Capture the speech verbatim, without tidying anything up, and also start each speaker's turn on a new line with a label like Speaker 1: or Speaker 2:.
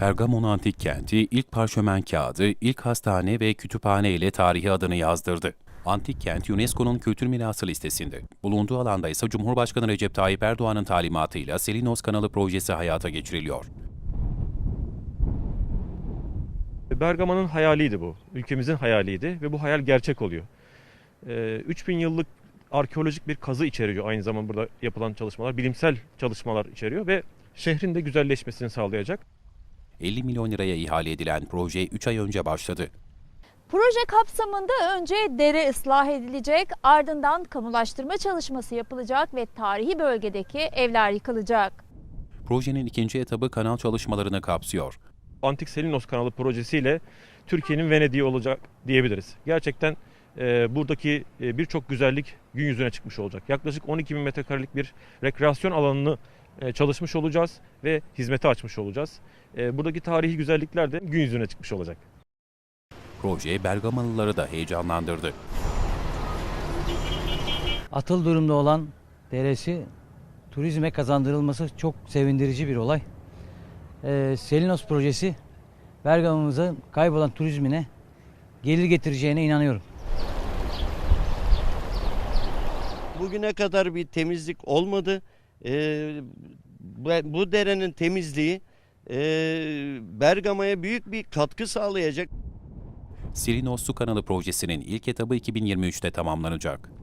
Speaker 1: Pergamon Antik Kenti ilk parşömen kağıdı, ilk hastane ve kütüphane ile tarihi adını yazdırdı. Antik kent UNESCO'nun kültür mirası listesinde. Bulunduğu alanda ise Cumhurbaşkanı Recep Tayyip Erdoğan'ın talimatıyla Selinos Kanalı projesi hayata geçiriliyor.
Speaker 2: Bergama'nın hayaliydi bu. Ülkemizin hayaliydi ve bu hayal gerçek oluyor. Ee, üç bin yıllık arkeolojik bir kazı içeriyor aynı zamanda burada yapılan çalışmalar. Bilimsel çalışmalar içeriyor ve şehrin de güzelleşmesini sağlayacak.
Speaker 1: elli milyon liraya ihale edilen proje üç ay önce başladı.
Speaker 3: Proje kapsamında önce dere ıslah edilecek, ardından kamulaştırma çalışması yapılacak ve tarihi bölgedeki evler yıkılacak.
Speaker 1: Projenin ikinci etabı kanal çalışmalarını kapsıyor.
Speaker 2: Antik Selinos Kanalı projesiyle Türkiye'nin Venedik'i olacak diyebiliriz. Gerçekten e, buradaki e, birçok güzellik gün yüzüne çıkmış olacak. Yaklaşık on iki bin metrekarelik bir rekreasyon alanını e, çalışmış olacağız ve hizmete açmış olacağız. E, buradaki tarihi güzellikler de gün yüzüne çıkmış olacak.
Speaker 1: Proje Bergamalıları da heyecanlandırdı.
Speaker 4: Atıl durumda olan deresi turizme kazandırılması çok sevindirici bir olay. Ee, Selinos projesi Bergama'mıza kaybolan turizmine gelir getireceğine inanıyorum.
Speaker 5: Bugüne kadar bir temizlik olmadı. Ee, bu derenin temizliği e, Bergama'ya büyük bir katkı sağlayacak.
Speaker 1: Selinos Su Kanalı projesinin ilk etabı iki bin yirmi üçte tamamlanacak.